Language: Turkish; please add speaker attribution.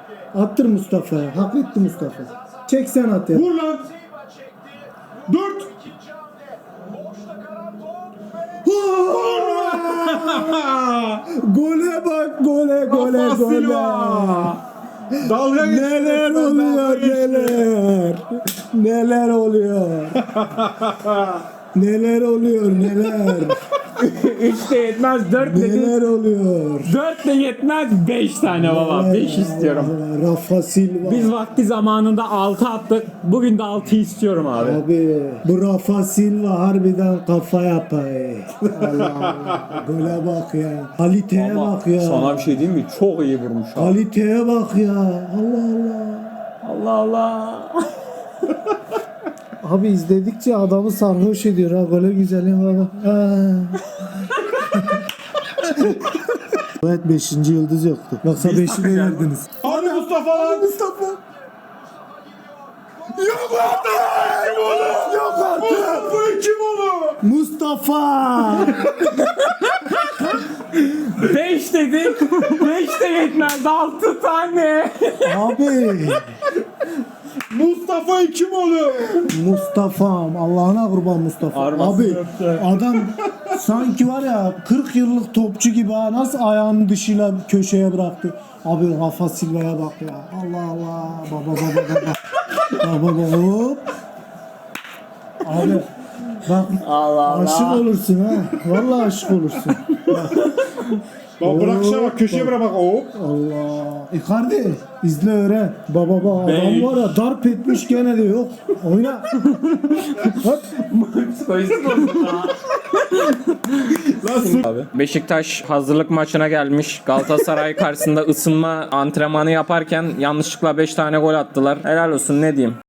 Speaker 1: Attır Mustafa. Hak etti Mustafa. Çek sen at ya.
Speaker 2: Vur lan. 4.
Speaker 1: Gole bak gole.
Speaker 2: Dalga
Speaker 1: Neler oluyor neler. Neler oluyor. Neler oluyor neler.
Speaker 3: 3 de yetmez 4 dedi.
Speaker 1: Neler oluyor.
Speaker 3: 4 de yetmez 5 tane baba. 5 istiyorum.
Speaker 1: Rafa Silva.
Speaker 3: Biz vakti zamanında 6 attık. Bugün de 6 istiyorum abi.
Speaker 1: Abi bu Rafa Silva harbiden kafa yapay. Allah Allah. Gole bak ya. Kaliteye bak ya.
Speaker 3: Sana bir şey diyeyim mi? Çok iyi vurmuş abi.
Speaker 1: Kaliteye bak ya. Allah Allah.
Speaker 3: Allah Allah.
Speaker 1: Abi izledikçe adamı sarhoş ediyor ha. Gole güzelim baba. Evet 5. yıldız yoktu. Yoksa 5'i de
Speaker 3: takacağız.
Speaker 1: verdiniz.
Speaker 2: Hadi Mustafa lan.
Speaker 1: Mustafa.
Speaker 2: Yok artık. Kim oğlum?
Speaker 1: Yok artık.
Speaker 2: Mustafa kim oğlum?
Speaker 1: Mustafa.
Speaker 3: 5 dedik. 5 de yetmez 6 tane.
Speaker 1: Abi.
Speaker 2: Mustafa kim oğlum?
Speaker 1: Mustafa'm Allah'ına kurban Mustafa.
Speaker 3: Armasını
Speaker 1: Abi
Speaker 3: öptü.
Speaker 1: adam sanki var ya 40 yıllık topçu gibi ha, nasıl ayağını dışıyla köşeye bıraktı. Abi Rafa Silva'ya bak ya. Allah Allah. Baba. Baba hop. Abi bak
Speaker 3: Allah Allah.
Speaker 1: aşık olursun ha. Vallahi aşık olursun.
Speaker 2: Bak bırakışa bak köşeye bırak bak. Hop.
Speaker 1: Allah. Icardi izle öğren. Baba adam
Speaker 3: Bey.
Speaker 1: var ya darp etmiş gene de yok. Oyna. Hop.
Speaker 3: Psikolojisi bozuldu ha. Abi. Beşiktaş hazırlık maçına gelmiş. Galatasaray karşısında ısınma antrenmanı yaparken yanlışlıkla 5 tane gol attılar. Helal olsun ne diyeyim.